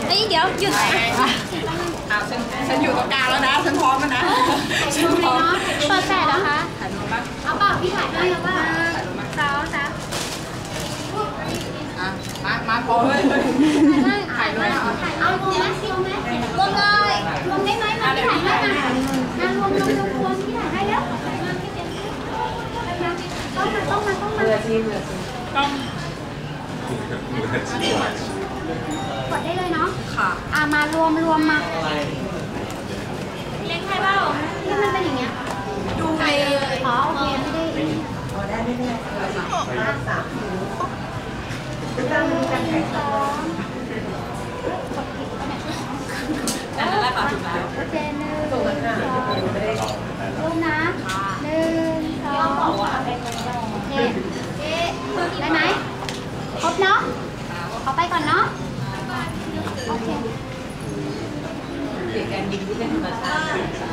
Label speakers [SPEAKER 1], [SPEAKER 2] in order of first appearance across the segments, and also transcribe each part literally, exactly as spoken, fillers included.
[SPEAKER 1] เอ้ยเดี๋ยวหยุด
[SPEAKER 2] อ้าวฉันฉันอยู่ตรงกลางแล้วนะฉันพร้อมแล้วนะฉันพร้อม
[SPEAKER 1] เปิดแปดนะคะ
[SPEAKER 2] ถ่ายรูปมั้ย
[SPEAKER 1] เอาเปล่าพี่ถ่ายให้เอาเปล่าถ่ายรูปมั้ยสาวสาว
[SPEAKER 2] อ่ะมามาพร้อมเลยถ่ายด้วยเอาถ่าย
[SPEAKER 1] เอารวมไหมรวมไหมรวมเลยรวมได้ไหมมาพี่ถ่ายให้มามารวมรวมรวมรวมพี่ถ่ายให้แล้วต้องมาต้องมาต้องมา
[SPEAKER 2] เรือชีเรือชีต้อง
[SPEAKER 1] กดได้เลยเนาะ
[SPEAKER 2] ค่ะ
[SPEAKER 1] อ่ามารวมรวมมาเล็กใครเปล่าที่มันเป็นอย่างเงี้ย
[SPEAKER 2] ดูไป
[SPEAKER 1] อ๋อโอเคไม่ได้
[SPEAKER 2] อ๋อได้ไม่ได้ห้าสามตั้งกันแข่งซ้อมอันนั้นแหละค่ะถูกแล้ว
[SPEAKER 1] โอเคหนึ่งสองรูปนะหนึ่งสองโอเคได้ไหมครบเนาะเขาไปก่อนเนาะโอเค
[SPEAKER 2] เด็กการยิงที่เป็นธรรมชาติ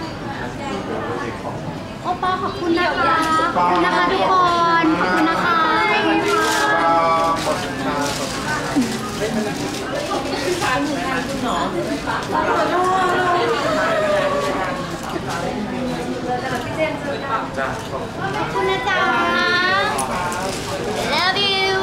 [SPEAKER 1] โอปอขอบคุณนะคะขอบคุณนะคะทุกคนขอบคุณนะคะขอบคุณนะจ๊ะ love you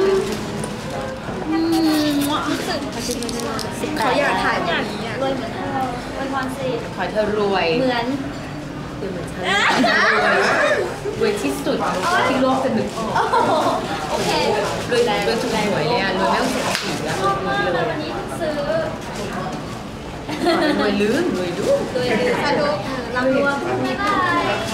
[SPEAKER 2] เขาอยากถ่ายแบบนี้
[SPEAKER 1] รวยเหมือนเธอรวยพรสิ
[SPEAKER 2] ขอเธอรวย
[SPEAKER 1] เหมือน
[SPEAKER 2] เหมือนฉันรวยที่สุดที่โลกจะนึกออก
[SPEAKER 1] โอเค
[SPEAKER 2] รวยรวยถูกหวยเลยอ่ะรวยไม่ต้องเสียสีอ่ะ
[SPEAKER 1] ชอบมากเลยวันนี้ซื้อ
[SPEAKER 2] รวยลื่นรวยดู
[SPEAKER 1] รวยลื่นสนุกรำรวมบ๊ายบาย